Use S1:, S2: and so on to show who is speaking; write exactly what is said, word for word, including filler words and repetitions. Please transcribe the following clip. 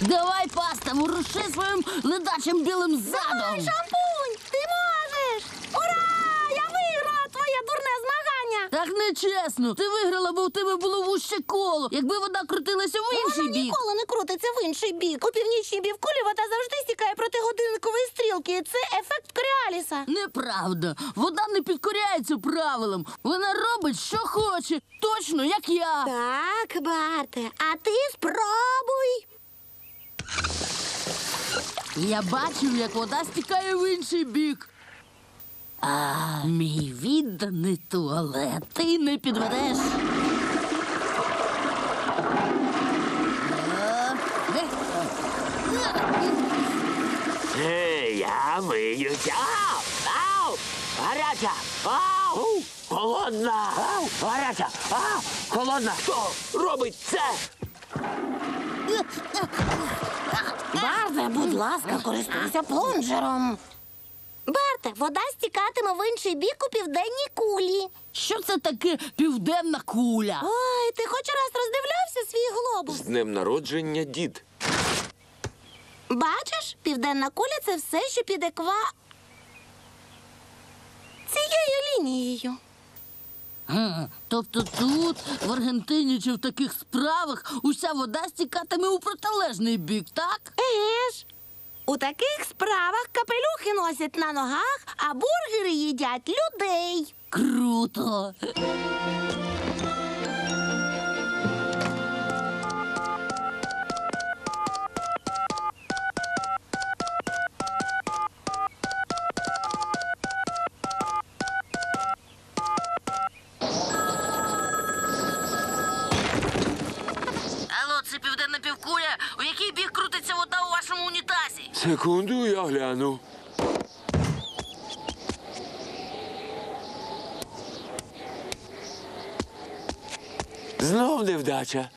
S1: Давай, паста, воруши своїм ледачим білим задом.
S2: Давай, шампунь, ти можеш! Ура! Я виграла твоє дурне змагання!
S1: Так нечесно. Ти виграла, бо в тебе було вуще коло. Якби вода крутилася в інший
S2: Вона
S1: бік.
S2: ніколи не крутиться в інший бік. У північній півкулі вода завжди стікає проти годинникової стрілки. Це ефект Коріаліса.
S1: Неправда. Вода не підкоряється правилам. Вона робить, що хоче. Точно, як я.
S2: Так, Барте, а ти спробуй.
S1: Я бачив, як вода стікає в інший бік. А, мій відданий туалет. Ти не підведеш.
S3: Ей, я миюся. Ау! Ау! Гаряча! Ау! Холодна! Ау! Гаряча! Ау! Холодна! Хто робить це?
S2: Барте, будь ласка, користуйся плунжером. Барте, вода стікатиме в інший бік у південній кулі.
S1: Що це таке південна куля?
S2: Ой, ти хоч раз роздивлявся свій глобус?
S4: З днем народження, дід.
S2: Бачиш, південна куля – це все, що під еква... цією лінією.
S1: Га, тобто тут, в Аргентині чи в таких справах, уся вода стікатиме у протилежний бік, так?
S2: Еге ж, у таких справах капелюхи носять на ногах, а бургери їдять людей.
S1: Круто! Алло, це південна півкуля? У який бік крутиться вода у вашому унітазі?
S4: Секунду, я гляну. Знов невдача.